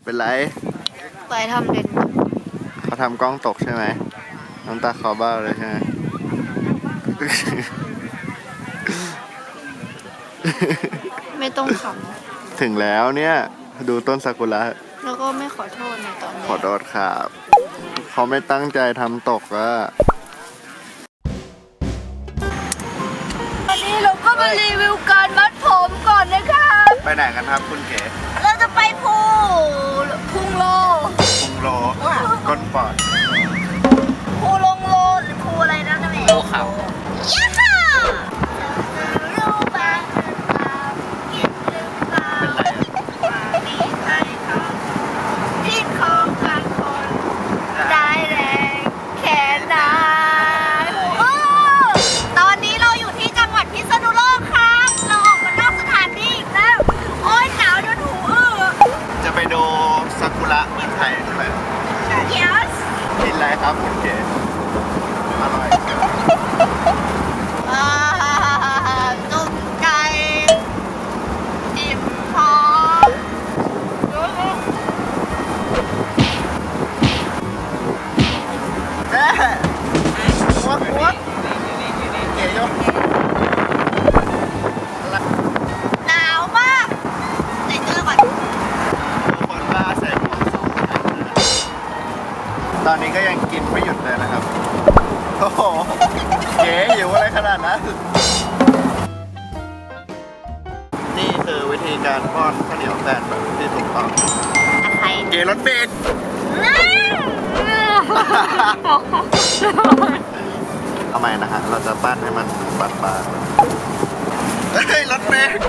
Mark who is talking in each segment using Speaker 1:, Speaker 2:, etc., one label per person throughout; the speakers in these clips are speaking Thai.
Speaker 1: เป็นไร
Speaker 2: ไปทำเด่น
Speaker 1: เขาทำกล้องตกใช่ไหมน้ำตาคลอบ้าเลยใช่ไหม
Speaker 2: ไม่ต้องข
Speaker 1: ถึงแล้วเนี่ยดูต้นซากุระ
Speaker 2: ำแล้วก็ไม่ขอโทษในตอนนี้
Speaker 1: ขอโทษครับเขาไม่ตั้งใจทำตกอะ
Speaker 2: วันนี้เราก็มารีวิวการมัดผมก่อนนะคะ
Speaker 1: ไปไหนกันครับคุณเก๋
Speaker 2: เราจะไปพุงโล
Speaker 1: พุงโลก้นปอด
Speaker 2: ภูลงโลหรือภูอะไรนะนั่นแหละ
Speaker 3: โลเขา
Speaker 2: ยะฮ่ารู้บ้างหรือเปล่าคิดหรือเปล่าว่ามีใจเขาที่ของกันคนได้แรงแค่ไหนโอ้ตอนนี้เราอยู่ที่จังหวัดพิษณุโลกครับเราออกมานอกสถานที่อีกแล้วโอ้ยหนาวจนหูอื้อ
Speaker 1: จะไปดูซากุระเมืองไทยใช่ไหม
Speaker 2: yes
Speaker 1: กินอะไรครับคุณเก๋อร่อย
Speaker 2: จุ่มไก่อิ่มพอ
Speaker 1: แม่วักเก๋ยก
Speaker 2: หนาวมากใส่เสื้อก่อน
Speaker 1: คนบ้าใส่หมวกสองชั้นตอนนี้ก็ยังกินไม่หยุดเลยนะครับโอ้โหเก๋หิวอะไรขนาดนั้นนี่คือวิธีการป้อนข้าวเหนียวแตนแบบที่ถูกต้อง
Speaker 2: อะไร
Speaker 1: เก๋รถเบรกทำไมนะฮะเราจะปั้นให้มันบานๆเฮ้ยรถเบรก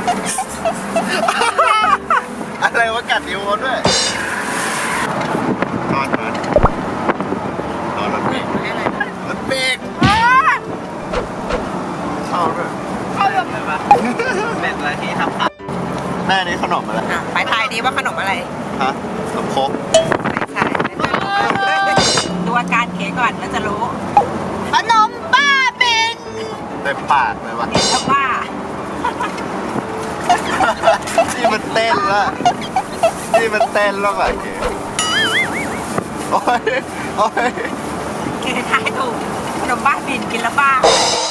Speaker 1: อะไรวะกัดนิ้วเขาด้วยนอนรถเบรกรถเบรกเข้าด้วย
Speaker 3: เป็นอะไรที่ทำขาด
Speaker 1: แม่นี้ขนมอะไร
Speaker 4: ไปทายดีว่าขนมอะไร
Speaker 1: ฮะขนมครก
Speaker 4: ไม่ใช่ดูอาการเก๋ก่อนแล้วจะรู้
Speaker 2: ขนมบ้าบิน
Speaker 1: เต็มปากเลยวะ
Speaker 4: เห็นแล้วว่า
Speaker 1: นี่มันเต้นละนี่มันเต้นแล้วอะเก๋โอ้ยโอ้ย
Speaker 4: เก๋ทายถูกขนมบ้าบินกินแล้วบ้า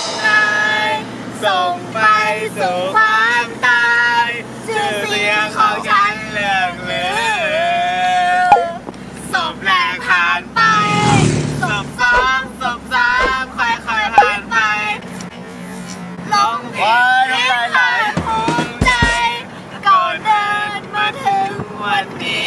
Speaker 1: ส่งไปสู่ความตายชื่อเสียงของฉันเลื่องลือศพแรกผ่านไปศพสองศพสามค่อยๆผ่านไป
Speaker 2: ลงผิดที่ใครภูมิใจก่อนเดินมาถึงวันนี้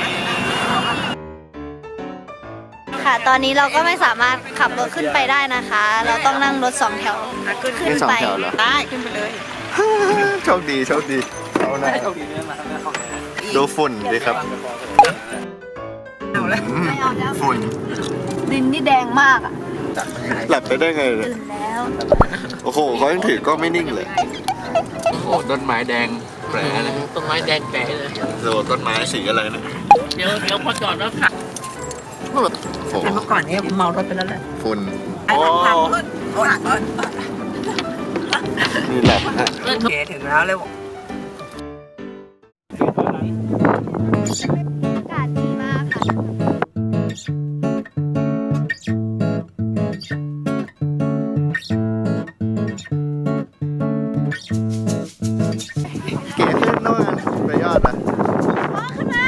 Speaker 2: ค่ะตอนนี้เราก็ไม่สามารถขับรถขึ้นไปได้นะคะ เราต้องนั่งรถสองแถวขึ้น
Speaker 1: นี่สอง
Speaker 2: ไป
Speaker 1: แถวเหรอ
Speaker 4: ได้ขึ้นไปเลย
Speaker 1: โชคดีโชคดีเอาหน่อย
Speaker 3: โชคดีเนี่ยมาทำงานของแก
Speaker 1: ดูฝุ่นดีครับ
Speaker 4: เอาเลย
Speaker 2: ไม่เอาแล้ว
Speaker 1: ฝุ่น
Speaker 2: ดินนี่แดงมากอ่ะ
Speaker 1: หลับไปได้ไงเนี่ย
Speaker 2: ตื่นแล้ว
Speaker 1: โอ้โหเขายังถือกล้องไม่นิ่งเลย
Speaker 3: โอ้โหต้นไม้แดงแผลเลยต้นไม้แดงแผลเลย
Speaker 1: โอ้ต้นไม้สีอะไรเนี่ย
Speaker 3: เดี๋ยวพอจอดแล้วค่ะ
Speaker 1: โอ้โห
Speaker 4: แต่เมื่อก่อนเนี่ยเมารถไปแล้วแหละ
Speaker 1: ฝุ่น
Speaker 4: ไอ้ทางรถโอ้ย
Speaker 1: นี่แหละฮะ
Speaker 4: เก๋ถึงแล้วเลย
Speaker 2: อากาศดีมากค่ะ
Speaker 1: เก๋ขึ้นโน่นไปยอดอ่ะ
Speaker 2: ขึ้นมา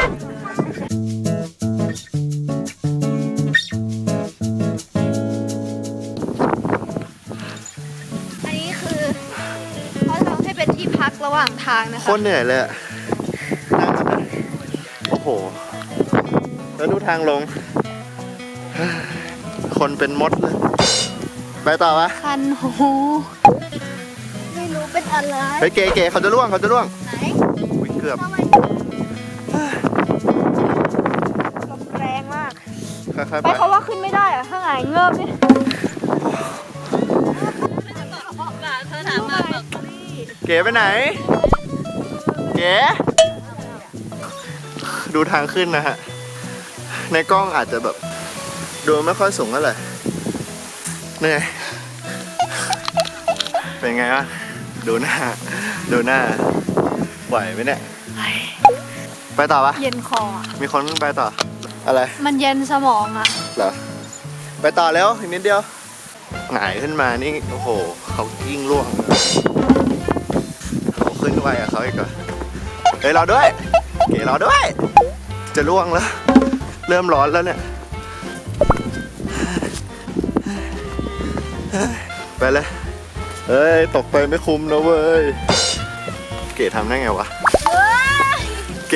Speaker 2: อันนี้คือเขาทำให้เป็นที่พักระหว่างทางนะ
Speaker 1: โค
Speaker 2: คะ
Speaker 1: ตรเหนื่อยเลยอะนั่งกันนะโอ้โห แล้วดูทางลง คนเป็นมดเลย ไปต่อวะ
Speaker 2: คันหูไม่รู้เป็นอะไร
Speaker 1: ไปเก๋ๆเขาจะล่วงเขาจะล่วง
Speaker 2: ไหน
Speaker 1: อุ๊ยเกือบ
Speaker 2: ทำไมลมแรงมาก
Speaker 1: ค่อยๆ
Speaker 2: ไป
Speaker 1: ไป
Speaker 2: เขาว่าขึ้นไม่ได้อะถ้าไงเงิบเนี่ยเธอถามมาแบบ
Speaker 1: เก๋ไปไหน เก๋ดูทางขึ้นนะฮะ ในกล้องอาจจะแบบดูไม่ค่อยสูงเท่าไหร่เหนื่อย เป็นไงวะดูหน้า ดูหน้า ไหวไหมเนี่ย ไปไปต่อปะ
Speaker 2: เย็นคออะ
Speaker 1: มีคนไปต่อ อะไร
Speaker 2: มันเย็นสมองอ่ะ
Speaker 1: เหรอ ไปต่อแล้วอีกนิดเดียวหงายขึ้นมานี่ โอ้โห เขายิ่งร่วงเขาขึ้นไวกับเขาอีกเหรอเฮ้ยรอด้วย เก๋รอด้วย จะร่วงแล้ว เริ่มร้อนแล้วเนี่ย ไปเลย เฮ้ย ตกไปไม่คุ้มนะเว้ย เก๋ทำได้ไงวะ เก๋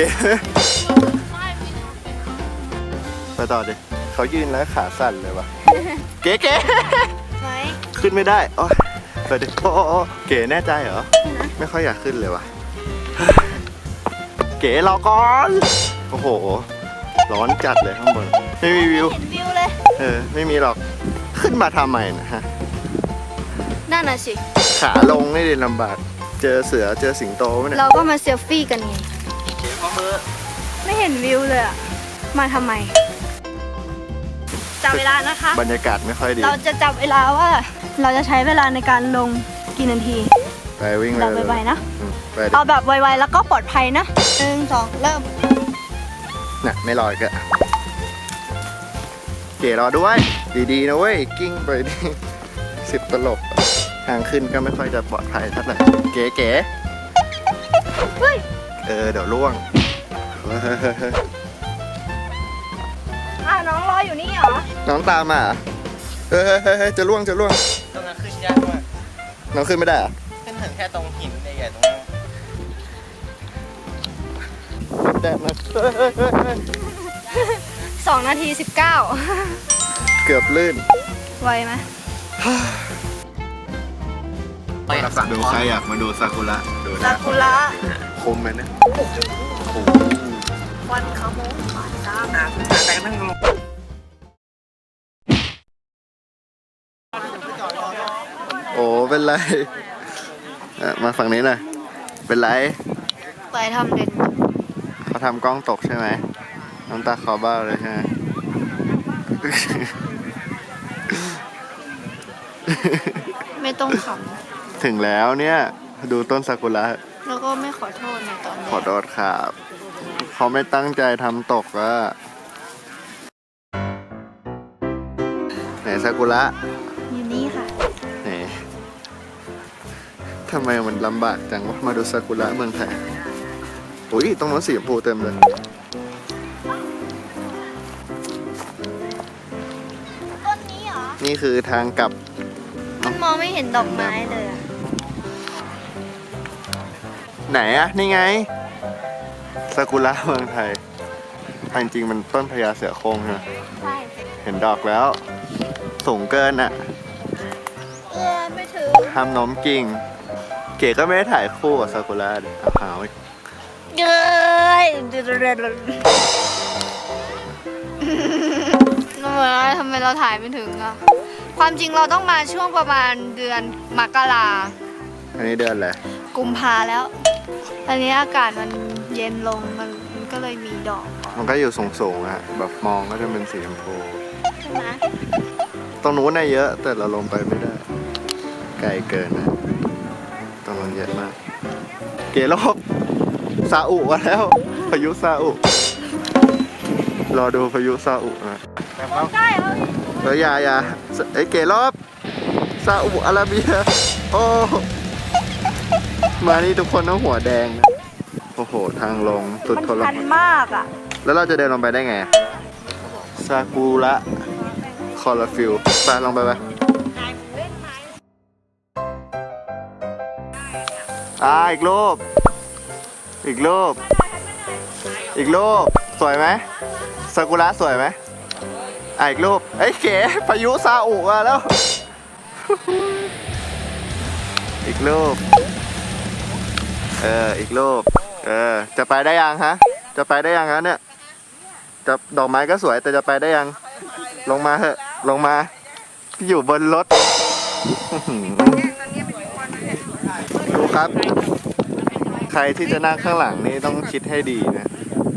Speaker 1: ไปต่อดิเขายืนแล้วขาสั่นเลยวะ เก๋
Speaker 2: ไหม
Speaker 1: ขึ้นไม่ได้โอ้ยไปดิโอ้เก๋แน่ใจเหรอ ไม่ค่อยอยากขึ้นเลยวะ เก๋รอก่อน โอ้โห ร้อนจัดเลยข้างบน ไม่มีวิว
Speaker 2: เห็นวิวเลย
Speaker 1: ไม่มีหรอก ขึ้นมาทำไมนะฮะ
Speaker 2: นั่นน่ะสิ
Speaker 1: ขาลงนี่ดิลำบาก เจอเสือเจอสิงโตไหมเนี่ย
Speaker 2: เราก็มาเซลฟี่กันไง ไม่เห็นวิวเลยอะมาทำไมจับเวลานะคะ
Speaker 1: บรรยากาศไม่ค่อยดี
Speaker 2: เราจะจับเวลาว่า เราจะใช้เวลาในการลงกี่นาที
Speaker 1: ไปวิ่งไป
Speaker 2: แบบ
Speaker 1: เลย
Speaker 2: ไวๆนะ
Speaker 1: ไปดิ
Speaker 2: เอาแบบไวๆแล้วก็ปลอดภัยนะ1 2 เริ่ม
Speaker 1: น่ะไม่ลอยก็ เก๋รอด้วย ดีๆนะเว้ย กิ้งไปดิ10 ตลบทางขึ้นก็ไม่ค่อยจะปลอดภัยเท่าไหร่เก๋
Speaker 2: เฮ้ย
Speaker 1: เดี๋ยวล่วง
Speaker 2: น้องรออยู่นี่เหรอ
Speaker 1: น้องตามมาเหรอเฮ้ยจะล่วง
Speaker 3: ตรงนั้นขึ้นยากมาก
Speaker 1: น้องขึ้นไม่ได้เหรอ
Speaker 3: ขึ้นถึงแค่ตรงหินใหญ่ๆตรงนั้น
Speaker 1: แดดนะ
Speaker 2: 2 นาที 19
Speaker 1: เกือบลื่น
Speaker 2: ไวไหม
Speaker 1: ดูใครอยากมาดูซากุระดู
Speaker 2: ซา
Speaker 1: นะ
Speaker 2: กุระ
Speaker 1: คุ้มไหมเนี่ยโอ้โห
Speaker 2: วันขโมงผ่านตาม
Speaker 3: แต่นั่งลง
Speaker 1: โอ้เป็นไรมาฝั่งนี้หน่อยเป็นไร
Speaker 2: ไปทำเด่น
Speaker 1: เขาทำกล้องตกใช่ไหมน้ำตาคลอบ้าเลยใช่ไหม
Speaker 2: ไม่ต้องข
Speaker 1: ถึงแล้วเนี่ยดูต้นซากุระ
Speaker 2: ำแล้วก็ไม่ขอโทษในตอนนี้
Speaker 1: ขอโทษครับเขาไม่ตั้งใจทำตกอะไหนซากุระ
Speaker 2: อยู่นี่ค่ะ
Speaker 1: ไหนทำไมมันลำบากจังวะมาดูซากุระเมืองไทยโอ้ยตรงนั้นสีชมพูเต็มเลย
Speaker 2: ต้นนี้เหรอ
Speaker 1: นี่คือทางกลับ
Speaker 2: มันมองไม่เห็นดอกไม้เลยอะ
Speaker 1: ไหนอะนี่ไงซากุระเมืองไทยจริงๆมันต้นพญาเสือโคร่งใช่ไหม
Speaker 2: ใช่
Speaker 1: เห็นดอกแล้ว สูงเกินอะ
Speaker 2: ไม่ถึง
Speaker 1: ห้ามโน้มกิ่ง เก๋ก็ไม่ได้ถ่ายคู่กับซากุระดิเอาหาวอีก
Speaker 2: เย้ยทำไมเราถ่ายไม่ถึงอะความจริงเราต้องมาช่วงประมาณเดือนมกรา
Speaker 1: อันนี้เดือนอะไร
Speaker 2: กุมภาแล้ว อันนี้อากาศมันเย็นลงมันก็เลยมีดอก
Speaker 1: มันก็อยู่สูงๆอะแบบมองก็จะเป็นสีชมพู
Speaker 2: ใช่ไหม
Speaker 1: ตรงนู้นน่ะเยอะ แต่เราลงไปไม่ได้ ไกลเกินนะตรงนั้นเยอะมาก เก๋รอบซาอุมาแล้ว พายุซาอุ รอดูพายุซาอุนะ
Speaker 2: ใช่เอา
Speaker 1: แล้วอย่าไอ้เก๋รอบซาอุอาระเบีย โอ้ มานี่ทุกคนต้องหัวแดงนะโอ้โห ทางลงสุด
Speaker 2: มัน
Speaker 1: ทร
Speaker 2: ชัน
Speaker 1: มาน
Speaker 2: มากอ่ะ
Speaker 1: แล้วเราจะเดินลงไปได้ไง ซากุระคอร์ฟิลไปลงไปอีกรูป อีกรูป อีกรูป สวยไหมซากุระสวยไหมอีกรูปเอ้ยเก๋พายุซาอุมาแล้ว อีกรูป อีกรูป จะไปได้ยังฮะ จะไปได้ยังฮะเนี่ย จะดอกไม้ก็สวยแต่จะไปได้ยัง ลงมาเถอะลงมาอยู่บนรถ ดูครับ ใครที่จะนั่งข้างหลังนี่ต้องคิดให้ดีนะ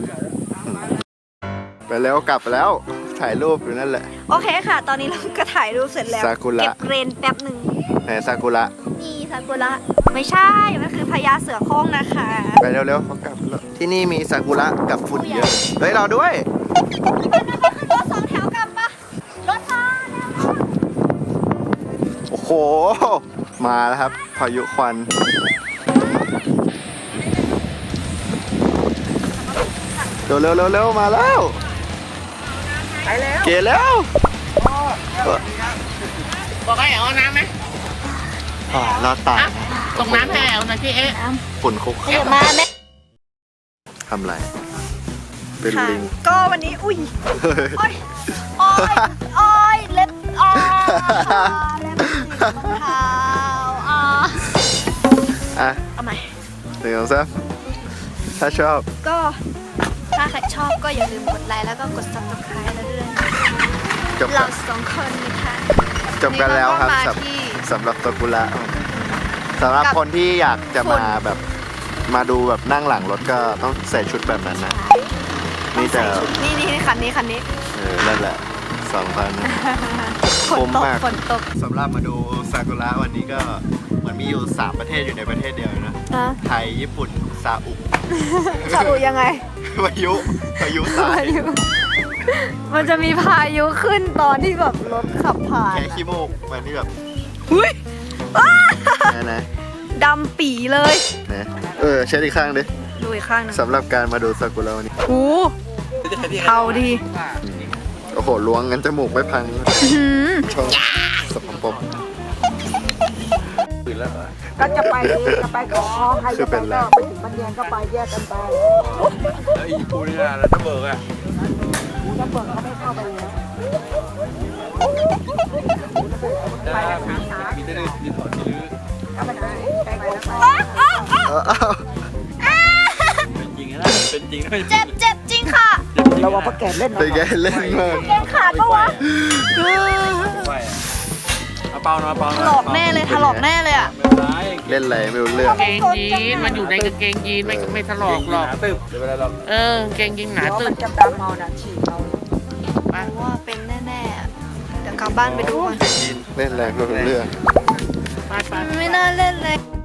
Speaker 1: ไปแล้วกลับแล้วถ่ายรูปอยู่นั่นแหละ
Speaker 2: โอเคค่ะ ตอนนี้เราก็ถ่ายรูปเสร็จแล้ว
Speaker 1: ซากุระ
Speaker 2: เก็บเกรนแป๊บหนึ่ง
Speaker 1: ไหนซากุระ
Speaker 2: นี่ซากุระไม่ใช่ มันคือพญาเสือโคร่งนะคะ
Speaker 1: ไปเร็วๆเขากลับแล้วที่นี่มีซากุระกับฝุ่นเยอะเฮ้ยรอด้วย
Speaker 2: รถสองแถวกลับปะรถมาแล้ว
Speaker 1: โอ้โห มาแล้วครับ พายุควันเร็วๆมาแล้ว
Speaker 4: ไปแล้ว
Speaker 1: เกแล้ว
Speaker 3: บอกให้เอาน้ำไหม
Speaker 1: รอดตาย
Speaker 3: ตรงน้ำให้เอานะพี่เอ๊ะ
Speaker 1: ฝุ่นคุก
Speaker 2: เดี๋ยวมาแม่
Speaker 1: ทำไร เป็น
Speaker 2: ค่ะ
Speaker 1: ลิง
Speaker 2: ก็วันนี้อุ้ยโอ้ยโอ้ยโอ้ยเล็บเล็บติดรองเท้า
Speaker 1: อ่ะ
Speaker 2: เอาใหม่
Speaker 1: หนึ่งสองสามถ้าชอบ
Speaker 2: ก็ถ้าใครชอบก็อย่าลืมกดไลค์แล้วก็กด subscribe แล้วด้วย
Speaker 1: จบกั
Speaker 2: เรา
Speaker 1: น
Speaker 2: สองคนนะคะ
Speaker 1: จบกันแล้วครับ
Speaker 2: นี่เราก็มาที่
Speaker 1: สำหรับซากุระสำหรับคนที่อยากจะมาแบบมาดูแบบนั่งหลังรถก็ต้องใส่ชุดแบบนั้นนะ นี่จะ
Speaker 2: ใส่ชุดนี่คันนี้
Speaker 1: นั่นแหละ2,000นะ
Speaker 2: ฝนตก
Speaker 1: มาก
Speaker 2: ฝนตก
Speaker 1: สำหรับมาดูซากุระวันนี้ก็เหมือนมีอยู่ 3 ประเทศอยู่ในประเทศเดียวนะ
Speaker 2: อ่ะ
Speaker 1: ไทย ญี่ปุ่น ซาอุ
Speaker 2: จะดูยังไง
Speaker 1: พายุทราย
Speaker 2: มันจะมีพายุขึ้นตอนที่แบบรถขับผ่าน
Speaker 1: แค่ขี้มูกมันนี่แบบ
Speaker 2: อุ้ย
Speaker 1: นะ
Speaker 2: ดำปีเลย
Speaker 1: นะเช็ดอีกข้างดิ
Speaker 2: ดูอีกข้างหนึง
Speaker 1: สำหรับการมาดูซากุระวันนี้
Speaker 2: โอ้เทาดี
Speaker 1: โอ้โหล้วงงั้นจมูกไม่พัง
Speaker 2: อื้อหือ
Speaker 1: ชอบสกปรก
Speaker 4: ก็จะไปขอใครจะไปก็ไปถึงบันเดียนก็ไปแยกกันไป
Speaker 3: แล้วอีปูนี่นะแล้วถ้าเบิกอ่ะ
Speaker 4: จะเปิดเขาไม่เข้าไปเลย
Speaker 3: ได้มีแต่เรื่องมีถอดมีลื้อ
Speaker 4: เข้าไปไหนไปไหนแล้วไป
Speaker 3: เป็นจริงนะเป็นจริงนะ
Speaker 2: เจ็บจริงค่ะ
Speaker 4: เราว่าพ่อแก่เล่น
Speaker 1: ไปแกเล่นมาก
Speaker 2: เกงขาดปะวะ
Speaker 3: เอาเปล่านะเปล่า
Speaker 2: ถลอกแน่เลยถลอกแน่เลยอ่ะ
Speaker 3: ไม่ร้าย
Speaker 1: เล่นอะไรไม่รู้เรื่อง
Speaker 5: กางเกงยีนมันอยู่ในกางเกงยีนไม่ถลอกหรอก
Speaker 3: ตึบเดี๋ยวเวลาเรา
Speaker 5: กางเกงยีนหนา
Speaker 4: เดี๋ยว
Speaker 5: ตึ
Speaker 4: มั
Speaker 5: บ
Speaker 4: นจะดำเอานะฉีกเอา
Speaker 2: ว่าเป็นแน่ๆอะเดี๋ยวกลับบ้านไปดูก่อน
Speaker 1: เล่นอะไรไม่รู้เรื่อง
Speaker 5: ไป
Speaker 2: ไม่น่าเล่นเลย